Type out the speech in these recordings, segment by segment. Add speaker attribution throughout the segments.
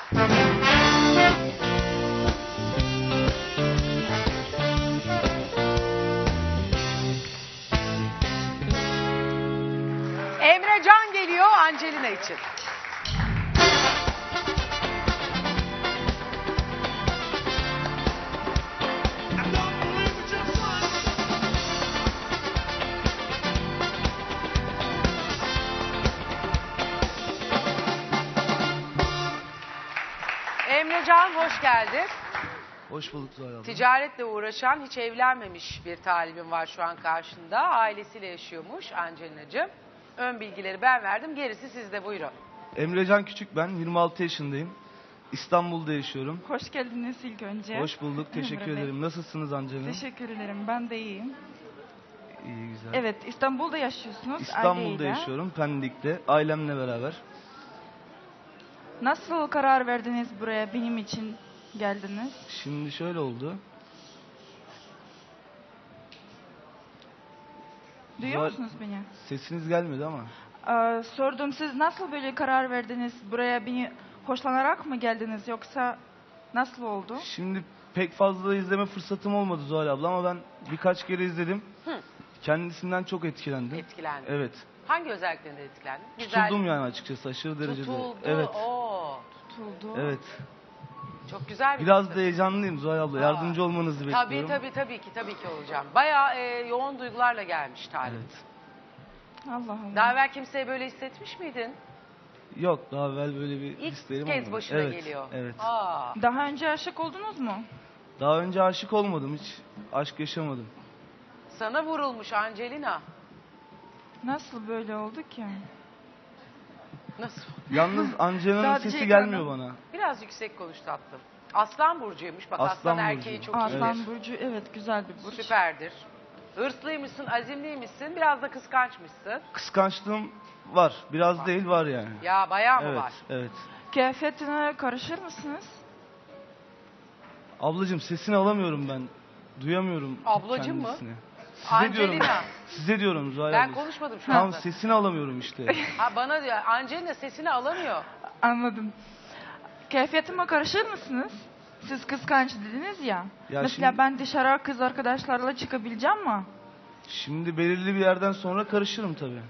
Speaker 1: Emre Can geliyor Angelina için. Emre Can hoş geldin.
Speaker 2: Hoş bulduk Zuhal abla.
Speaker 1: Ticaretle uğraşan, hiç evlenmemiş bir talibim var şu an karşında. Ailesiyle yaşıyormuş Angelina'cığım. Ön bilgileri ben verdim. Gerisi sizde, buyurun.
Speaker 2: Emrecan Küçük ben. 26 yaşındayım. İstanbul'da yaşıyorum.
Speaker 3: Hoş geldiniz ilk önce.
Speaker 2: Hoş bulduk. Teşekkür
Speaker 3: Emre Bey.
Speaker 2: ederim. Nasılsınız Angelina?
Speaker 3: Teşekkür ederim. Ben de iyiyim.
Speaker 2: İyi, güzel.
Speaker 3: Evet, İstanbul'da yaşıyorsunuz.
Speaker 2: İstanbul'da
Speaker 3: aileyle.
Speaker 2: yaşıyorum. Pendik'te. Ailemle beraber.
Speaker 3: Nasıl karar verdiniz buraya benim için geldiniz?
Speaker 2: Şimdi şöyle oldu.
Speaker 3: Duyuyor musunuz beni?
Speaker 2: Sesiniz gelmedi ama.
Speaker 3: Sordum, siz nasıl böyle karar verdiniz? Buraya beni hoşlanarak mı geldiniz yoksa nasıl oldu?
Speaker 2: Şimdi pek fazla izleme fırsatım olmadı Zuhal abla ama ben birkaç kere izledim.
Speaker 1: Hı.
Speaker 2: Kendisinden çok etkilendim.
Speaker 1: Etkilendim.
Speaker 2: Evet.
Speaker 1: Hangi özelliklerinden etkilendin?
Speaker 2: Tutuldum yani açıkçası aşırı derecede.
Speaker 1: Tutuldu.
Speaker 2: Evet.
Speaker 1: Oo.
Speaker 3: Tutuldu.
Speaker 2: Evet.
Speaker 1: Çok güzel bir
Speaker 2: Biraz
Speaker 1: kız.
Speaker 2: da heyecanlıyım Zuhal abla. Yardımcı olmanızı
Speaker 1: Tabii
Speaker 2: bekliyorum.
Speaker 1: tabii ki olacağım. Bayağı yoğun duygularla gelmiş talip.
Speaker 2: Evet.
Speaker 3: Allah Allah.
Speaker 1: Daha evvel kimseye böyle hissetmiş miydin?
Speaker 2: Yok, daha evvel böyle bir
Speaker 1: İlk
Speaker 2: hislerim
Speaker 1: kez
Speaker 2: olmadı.
Speaker 1: başına
Speaker 2: Evet,
Speaker 1: geliyor.
Speaker 2: Evet.
Speaker 1: Aa.
Speaker 3: Daha önce aşık oldunuz mu?
Speaker 2: Daha önce aşık olmadım, hiç aşk yaşamadım.
Speaker 1: Sana vurulmuş Angelina.
Speaker 3: Nasıl böyle oldu ki?
Speaker 1: Nasıl?
Speaker 2: Yalnız Angelina'nın
Speaker 3: Sadece
Speaker 2: sesi
Speaker 3: ekranda.
Speaker 2: gelmiyor bana.
Speaker 1: Biraz yüksek konuş tatlım. Aslan burcuymuş. Bak aslan,
Speaker 2: Aslan
Speaker 1: erkeği
Speaker 2: burcu.
Speaker 1: çok iyidir.
Speaker 3: Aslan burcu, evet, güzel bir burç.
Speaker 1: Süperdir. Hırslıymışsın, azimliymişsin, biraz da kıskançmışsın.
Speaker 2: Kıskançlığım var, biraz değil var yani.
Speaker 1: Ya bayağı mı
Speaker 2: Evet,
Speaker 1: var?
Speaker 2: evet.
Speaker 3: Kıyafetine karışır mısınız?
Speaker 2: Ablacığım sesini alamıyorum ben. Duyamıyorum
Speaker 1: Ablacığım mı?
Speaker 2: kendisini. Size diyorum.
Speaker 1: Angelina.
Speaker 2: Size diyorum Zuhal
Speaker 1: Ben
Speaker 2: abla.
Speaker 1: konuşmadım şu
Speaker 2: Tam
Speaker 1: anda.
Speaker 2: sesini alamıyorum işte.
Speaker 1: Ha, bana diyor, Angelina sesini alamıyor.
Speaker 3: Anladım. Kıyafetime karışır mısınız? Siz kıskanç dediniz ya.
Speaker 2: Ya
Speaker 3: Mesela
Speaker 2: şimdi-
Speaker 3: ben dışarı kız arkadaşlarla çıkabileceğim mi?
Speaker 2: Şimdi belirli bir yerden sonra karışırım tabii.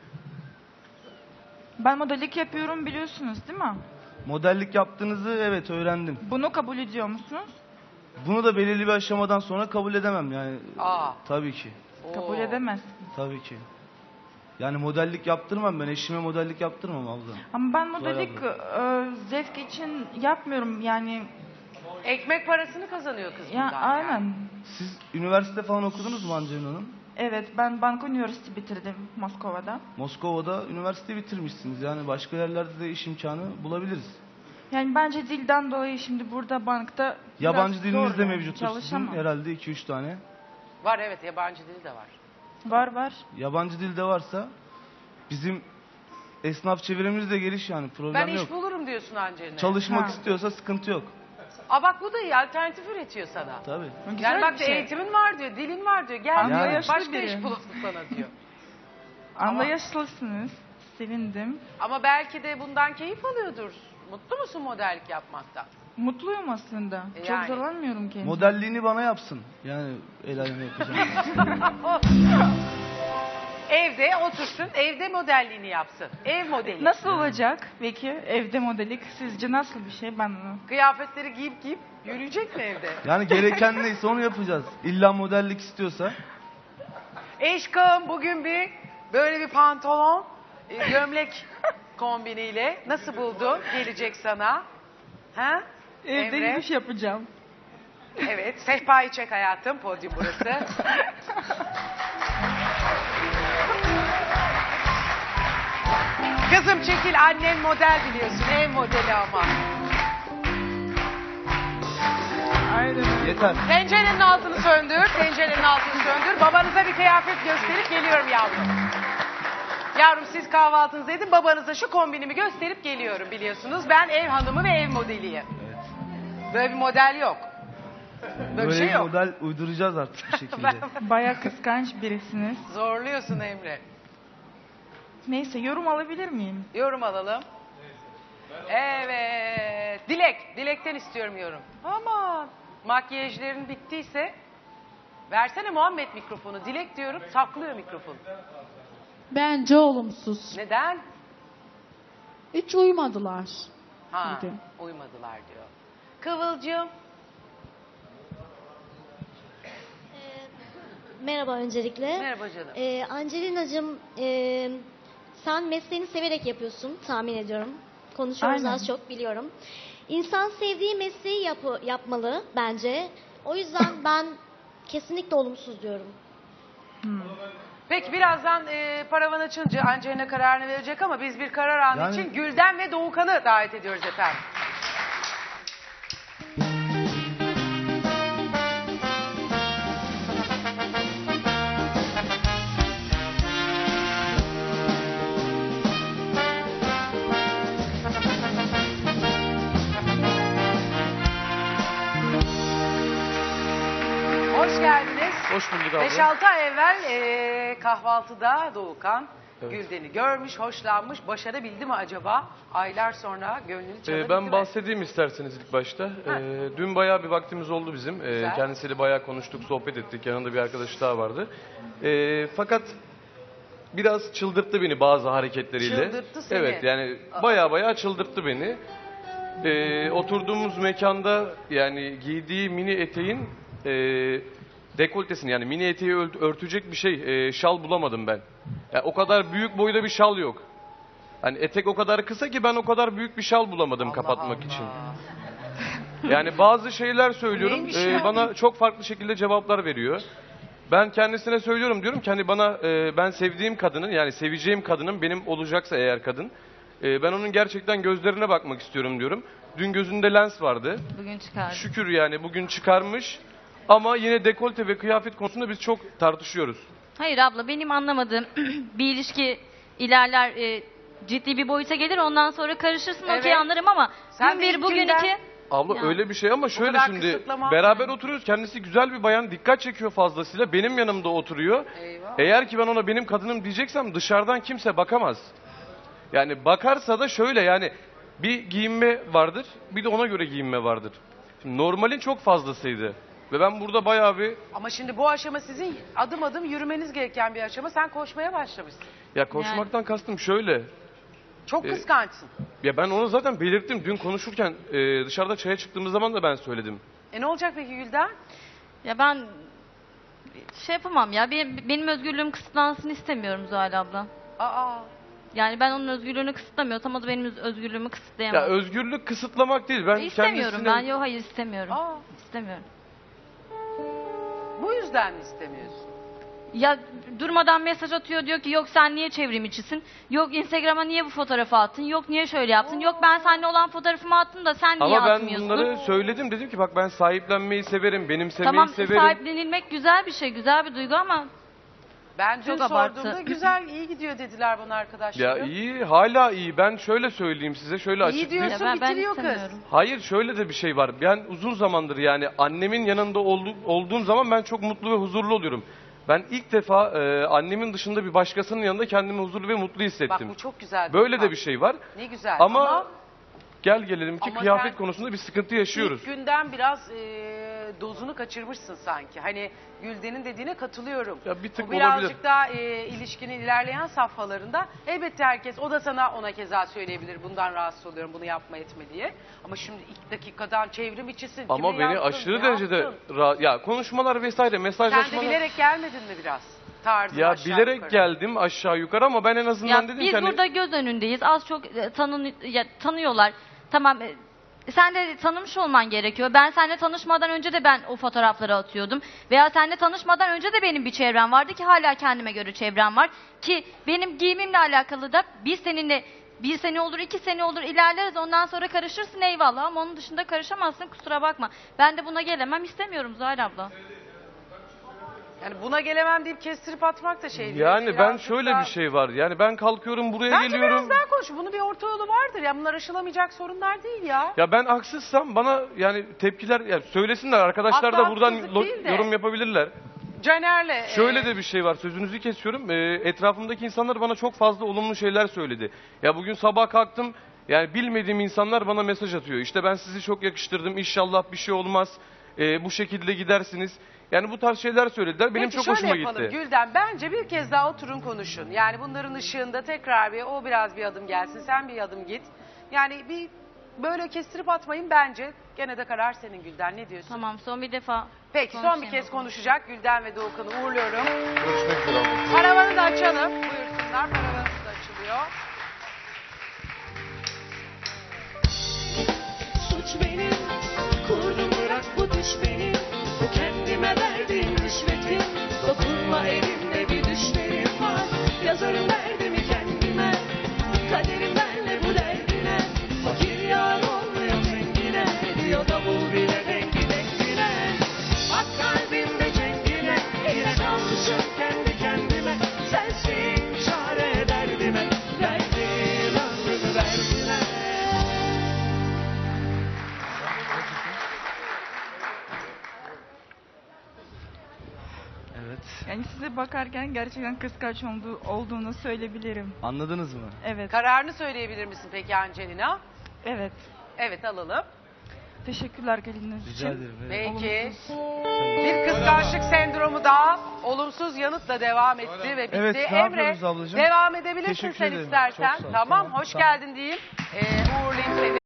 Speaker 3: Ben modellik yapıyorum biliyorsunuz değil mi?
Speaker 2: Modellik yaptığınızı evet öğrendim.
Speaker 3: Bunu kabul ediyor musunuz?
Speaker 2: Bunu da belirli bir aşamadan sonra kabul edemem yani.
Speaker 1: Aa.
Speaker 2: Tabii ki.
Speaker 3: Kabul
Speaker 1: Oo.
Speaker 3: edemezsiniz.
Speaker 2: Tabii ki. Yani modellik yaptırmam, ben eşime modellik yaptırmam abla.
Speaker 3: Ama ben
Speaker 2: Zuhal
Speaker 3: modellik zevk için yapmıyorum yani.
Speaker 1: Ekmek parasını kazanıyor kız
Speaker 3: Ya
Speaker 1: bundan
Speaker 3: aynen.
Speaker 1: yani.
Speaker 2: Siz üniversite falan okudunuz mu Angelina Hanım?
Speaker 3: Evet, ben Banka Üniversitesi bitirdim Moskova'da.
Speaker 2: Moskova'da üniversite bitirmişsiniz. Yani başka yerlerde de iş imkanı bulabiliriz.
Speaker 3: Yani bence dilden dolayı şimdi burada bankta
Speaker 2: Yabancı
Speaker 3: biraz
Speaker 2: diliniz
Speaker 3: zor
Speaker 2: de
Speaker 3: yani,
Speaker 2: mevcut sizin
Speaker 3: çalışamam.
Speaker 2: herhalde 2-3 tane.
Speaker 1: Var evet, yabancı dili de var.
Speaker 3: Var.
Speaker 2: Yabancı dilde varsa bizim esnaf çevirimiz de geliş yani problem
Speaker 1: Ben
Speaker 2: yok.
Speaker 1: iş bulurum diyorsun Angelina.
Speaker 2: Çalışmak
Speaker 3: Ha.
Speaker 2: istiyorsa sıkıntı yok.
Speaker 1: Aa bak, bu da iyi, alternatif üretiyor sana.
Speaker 2: Tabii.
Speaker 3: Güzel
Speaker 1: Yani bak
Speaker 3: bir şey.
Speaker 1: eğitimin var diyor, dilin var diyor. Gel
Speaker 3: Anlayışlı
Speaker 1: diyor, başka
Speaker 3: biri.
Speaker 1: iş bulasın sana diyor.
Speaker 3: Anlayışlısınız. Sevindim.
Speaker 1: Ama belki de bundan keyif alıyordur. Mutlu musun modellik yapmaktan?
Speaker 3: Mutluyum aslında.
Speaker 1: Yani.
Speaker 3: Çok zorlanmıyorum kendime.
Speaker 2: Modelliğini bana yapsın. Yani el aleme yapacağım.
Speaker 1: Evde otursun, evde modelliğini yapsın. Ev modeli.
Speaker 3: Nasıl olacak peki evde modellik? Sizce nasıl bir şey? Ben onu...
Speaker 1: Kıyafetleri giyip yürüyecek mi evde?
Speaker 2: Yani gereken neyse onu yapacağız. İlla modellik istiyorsa.
Speaker 1: Eşkım bugün böyle bir pantolon, gömlek kombiniyle nasıl buldun? Gelecek sana. Ha?
Speaker 3: Evde
Speaker 1: Emre?
Speaker 3: yürüyüş yapacağım.
Speaker 1: Evet, sehpayı çek hayatım, podyum burası. Kızım çekil, annen model biliyorsun, ev modeli ama.
Speaker 3: Aynen.
Speaker 2: Yeter.
Speaker 1: Tencerenin altını söndür, tencerenin altını söndür. Babanıza bir kıyafet gösterip geliyorum yavrum. Yavrum siz kahvaltınızı edin, babanıza şu kombinimi gösterip geliyorum biliyorsunuz. Ben ev hanımı ve ev modeliyim.
Speaker 2: Evet.
Speaker 1: Böyle bir model yok. Böyle bir şey
Speaker 2: bir
Speaker 1: yok.
Speaker 2: model uyduracağız artık bir şekilde.
Speaker 3: Baya kıskanç birisiniz.
Speaker 1: Zorluyorsun Emre.
Speaker 3: Neyse, yorum alabilir miyim?
Speaker 1: Yorum alalım. Evet. Dilek'ten istiyorum yorum. Aman makyajların bittiyse versene Muhammed mikrofonu. Dilek diyorum, saklıyor mikrofonu.
Speaker 4: Bence olumsuz.
Speaker 1: Neden?
Speaker 4: Hiç uymadılar.
Speaker 1: Ha,
Speaker 4: Dedim.
Speaker 1: uymadılar diyor. Kıvılcım.
Speaker 5: Merhaba öncelikle.
Speaker 1: Merhaba canım.
Speaker 5: Angelina'cığım sen mesleğini severek yapıyorsun tahmin ediyorum. Konuşuyoruz
Speaker 3: Aynen.
Speaker 5: az çok biliyorum. İnsan sevdiği mesleği yapmalı bence. O yüzden ben kesinlikle olumsuz diyorum.
Speaker 1: Peki birazdan paravan açınca Angelina kararını verecek ama biz bir karar anı
Speaker 2: Yani-
Speaker 1: için Gülden ve Doğukan'ı davet ediyoruz efendim. Hoş geldiniz.
Speaker 6: Hoş bulduk abla.
Speaker 1: 5-6 ay evvel kahvaltıda Doğukan
Speaker 6: Evet.
Speaker 1: Gülden'i görmüş, hoşlanmış. Başarabildi mi acaba? Aylar sonra gönlünü çalabildi mi?
Speaker 6: Ben bahsedeyim isterseniz ilk başta. Dün bayağı bir vaktimiz oldu bizim.
Speaker 1: Güzel.
Speaker 6: Kendisiyle bayağı konuştuk, sohbet ettik. Yanında bir arkadaş daha vardı. Fakat biraz çıldırttı beni bazı hareketleriyle.
Speaker 1: Çıldırttı seni.
Speaker 6: Evet, yani bayağı çıldırttı beni. Oturduğumuz mekanda yani giydiği mini eteğin dekoltesini, yani mini eteği örtecek bir şey, şal bulamadım ben. Yani o kadar büyük boyda bir şal yok. Hani etek o kadar kısa ki ben o kadar büyük bir şal bulamadım
Speaker 1: Allah
Speaker 6: kapatmak
Speaker 1: Allah.
Speaker 6: için. Yani bazı şeyler söylüyorum,
Speaker 1: Neymiş ya?
Speaker 6: bana çok farklı şekilde cevaplar veriyor. Ben kendisine söylüyorum, diyorum ki hani bana ben sevdiğim kadının, yani seveceğim kadının benim olacaksa eğer kadın, ben onun gerçekten gözlerine bakmak istiyorum diyorum. Dün gözünde lens vardı.
Speaker 7: Bugün çıkardım.
Speaker 6: Şükür yani bugün çıkarmış. Ama yine dekolte ve kıyafet konusunda biz çok tartışıyoruz.
Speaker 7: Hayır abla, benim anlamadığım bir ilişki ilerler, ciddi bir boyuta gelir, ondan sonra karışırsın,
Speaker 1: Evet.
Speaker 7: okey anlarım ama
Speaker 1: Sen
Speaker 7: gün bir bugün
Speaker 1: benimkinden-
Speaker 7: iki.
Speaker 6: Abla
Speaker 7: Ya.
Speaker 6: öyle bir şey ama şöyle
Speaker 1: kadar
Speaker 6: şimdi
Speaker 1: kısıtlama.
Speaker 6: beraber oturuyoruz. Kendisi güzel bir bayan, dikkat çekiyor fazlasıyla. Benim yanımda oturuyor.
Speaker 1: Eyvah.
Speaker 6: Eğer ki ben ona benim kadınım diyeceksem dışarıdan kimse bakamaz. Yani bakarsa da şöyle, yani bir giyinme vardır, bir de ona göre giyinme vardır. Şimdi normalin çok fazlasıydı. Ve ben burada bayağı bir,
Speaker 1: Ama şimdi bu aşama sizin adım adım yürümeniz gereken bir aşama. Sen koşmaya başlamışsın.
Speaker 6: ya koşmaktan kastım şöyle.
Speaker 1: Çok kıskançsın.
Speaker 6: Ya ben onu zaten belirttim. Dün konuşurken dışarıda çaya çıktığımız zaman da ben söyledim.
Speaker 1: Ne olacak peki Gülden?
Speaker 7: Ya ben şey yapamam ya, benim özgürlüğüm kısıtlansın istemiyorum Zuhal abla.
Speaker 1: Aa.
Speaker 7: Yani ben onun özgürlüğünü kısıtlamıyorsam o da benim özgürlüğümü kısıtlayamaz.
Speaker 6: Ya özgürlük kısıtlamak değil. Ben
Speaker 7: İstemiyorum
Speaker 6: kendisine...
Speaker 7: ben, yok hayır istemiyorum.
Speaker 1: Aa.
Speaker 7: İstemiyorum.
Speaker 1: Bu yüzden mi istemiyorsun?
Speaker 7: Ya durmadan mesaj atıyor, diyor ki yok sen niye çevrim içisin, yok Instagram'a niye bu fotoğrafı attın, yok niye şöyle yaptın, yok ben seninle olan fotoğrafımı attım da sen niye
Speaker 6: Ama ben
Speaker 7: atmıyorsun?
Speaker 6: bunları söyledim. Dedim ki bak ben sahiplenmeyi severim, benimsemeyi
Speaker 7: Tamam,
Speaker 6: severim.
Speaker 7: sahiplenilmek güzel bir şey, güzel bir duygu ama
Speaker 1: Ben dün
Speaker 7: Çok abartı.
Speaker 1: sorduğumda güzel, iyi gidiyor dediler bana
Speaker 6: Ya
Speaker 1: arkadaşlarım.
Speaker 6: iyi, hala iyi. Ben şöyle söyleyeyim size, şöyle
Speaker 1: İyi
Speaker 6: açıklayayım.
Speaker 1: diyorsun,
Speaker 7: ben
Speaker 1: bitiriyor kız.
Speaker 7: istemiyorum.
Speaker 6: Hayır, şöyle de bir şey var. Ben uzun zamandır yani annemin yanında olduğum zaman ben çok mutlu ve huzurlu oluyorum. Ben ilk defa annemin dışında bir başkasının yanında kendimi huzurlu ve mutlu
Speaker 1: Bak
Speaker 6: hissettim.
Speaker 1: bu çok güzel.
Speaker 6: Böyle de bir şey var.
Speaker 1: Ne güzel.
Speaker 6: Ama gel gelelim ki
Speaker 1: Ama
Speaker 6: kıyafet
Speaker 1: sen
Speaker 6: konusunda bir sıkıntı yaşıyoruz.
Speaker 1: İlk günden biraz dozunu kaçırmışsın sanki. Hani Gülden'in dediğine katılıyorum.
Speaker 6: Ya bir tık
Speaker 1: Bu birazcık
Speaker 6: olabilir.
Speaker 1: daha ilişkinin ilerleyen safhalarında elbette herkes, o da sana ona keza söyleyebilir. Bundan rahatsız oluyorum, bunu yapma etme diye. Ama şimdi ilk dakikadan çevrim içisin.
Speaker 6: Ama
Speaker 1: kime
Speaker 6: beni
Speaker 1: yaptın,
Speaker 6: aşırı
Speaker 1: ne
Speaker 6: derecede
Speaker 1: yaptın?
Speaker 6: ya konuşmalar vesaire,
Speaker 1: Sen de
Speaker 6: mesajlaşmalar.
Speaker 1: bilerek gelmedin mi biraz? Tarzın
Speaker 6: Ya
Speaker 1: aşağı
Speaker 6: bilerek
Speaker 1: yukarı.
Speaker 6: geldim aşağı yukarı ama ben en azından
Speaker 7: ya
Speaker 6: dedim
Speaker 7: biz
Speaker 6: ki hani
Speaker 7: burada göz önündeyiz, az çok tanıyorlar. Tamam, sen de tanımış olman gerekiyor. Ben seninle tanışmadan önce de ben o fotoğrafları atıyordum. Veya seninle tanışmadan önce de benim bir çevrem vardı ki hala kendime göre çevrem var. Ki benim giyimimle alakalı da biz seninle bir sene olur, 2 sene olur ilerleriz, ondan sonra karışırsın eyvallah ama onun dışında karışamazsın, kusura bakma. Ben de buna gelemem, istemiyorum Zuhal abla.
Speaker 1: Yani buna gelemem deyip kestirip atmak da şey değil.
Speaker 6: yani ben
Speaker 1: Birazcık
Speaker 6: şöyle
Speaker 1: daha-
Speaker 6: bir şey var. Yani ben kalkıyorum buraya
Speaker 1: Bence
Speaker 6: geliyorum.
Speaker 1: biraz daha konuş. Bunun bir orta yolu vardır ya. Bunlar aşılamayacak sorunlar değil ya.
Speaker 6: Ya ben haksızsam bana yani tepkiler ya söylesinler, arkadaşlar
Speaker 1: Hatta
Speaker 6: da buradan
Speaker 1: haksızlık değil de.
Speaker 6: yorum yapabilirler.
Speaker 1: Caner'le...
Speaker 6: Şöyle de bir şey var, sözünüzü kesiyorum. Etrafımdaki insanlar bana çok fazla olumlu şeyler söyledi. Ya bugün sabah kalktım, Yani bilmediğim insanlar bana mesaj atıyor. İşte ben sizi çok yakıştırdım, inşallah bir şey olmaz, bu şekilde gidersiniz. Yani bu tarz şeyler söylediler. Benim
Speaker 1: Peki
Speaker 6: çok
Speaker 1: şöyle
Speaker 6: hoşuma
Speaker 1: yapalım
Speaker 6: gitti.
Speaker 1: Gülden, bence bir kez daha oturun konuşun. Yani bunların ışığında tekrar o biraz bir adım gelsin, sen bir adım git. Yani bir böyle kestirip atmayın bence. Gene de karar senin Gülden, ne diyorsun?
Speaker 7: Tamam, son bir defa.
Speaker 1: Peki son
Speaker 7: konuşayım
Speaker 1: bir kez
Speaker 7: o zaman.
Speaker 1: konuşacak Gülden ve Doğukan'ı uğurluyorum.
Speaker 6: Görüşmek üzere abla.
Speaker 1: Paravanı da açalım. Buyursunlar, paravanımız da açılıyor.
Speaker 8: Suç benim, kurdum bırak bu düş benim. Bu kendime verdiğim rüşvetim. Dokunma elimde bir düşlerim var. Yazarım derdimi kendime. Kaderim benle bu derdine. Fakir yar olmuyor zengine. Diyor davul bile dengi dengine. Bak kalbimde cengine. Yine kalmışım kendi kendime. Sensin çare derdime. Verdim ömrümü verdime.
Speaker 2: Evet.
Speaker 3: Yani size bakarken gerçekten kıskanç olduğunu söyleyebilirim.
Speaker 2: Anladınız mı?
Speaker 3: Evet.
Speaker 1: Kararını söyleyebilir misin peki Angelina?
Speaker 3: Evet.
Speaker 1: Evet, alalım.
Speaker 3: Teşekkürler geliniz için.
Speaker 2: Rica ederim. Evet.
Speaker 1: Peki. Bir kıskançlık sendromu daha olumsuz yanıtla devam etti ve bitti.
Speaker 2: Evet, ne
Speaker 1: Emre,
Speaker 2: yapıyoruz ablacığım?
Speaker 1: devam edebilirsin
Speaker 2: Teşekkür
Speaker 1: sen
Speaker 2: ederim.
Speaker 1: istersen.
Speaker 2: Çok sağ ol.
Speaker 1: Tamam,
Speaker 2: Tamam,
Speaker 1: hoş
Speaker 2: tamam.
Speaker 1: geldin diyeyim. Uğurlayayım seni.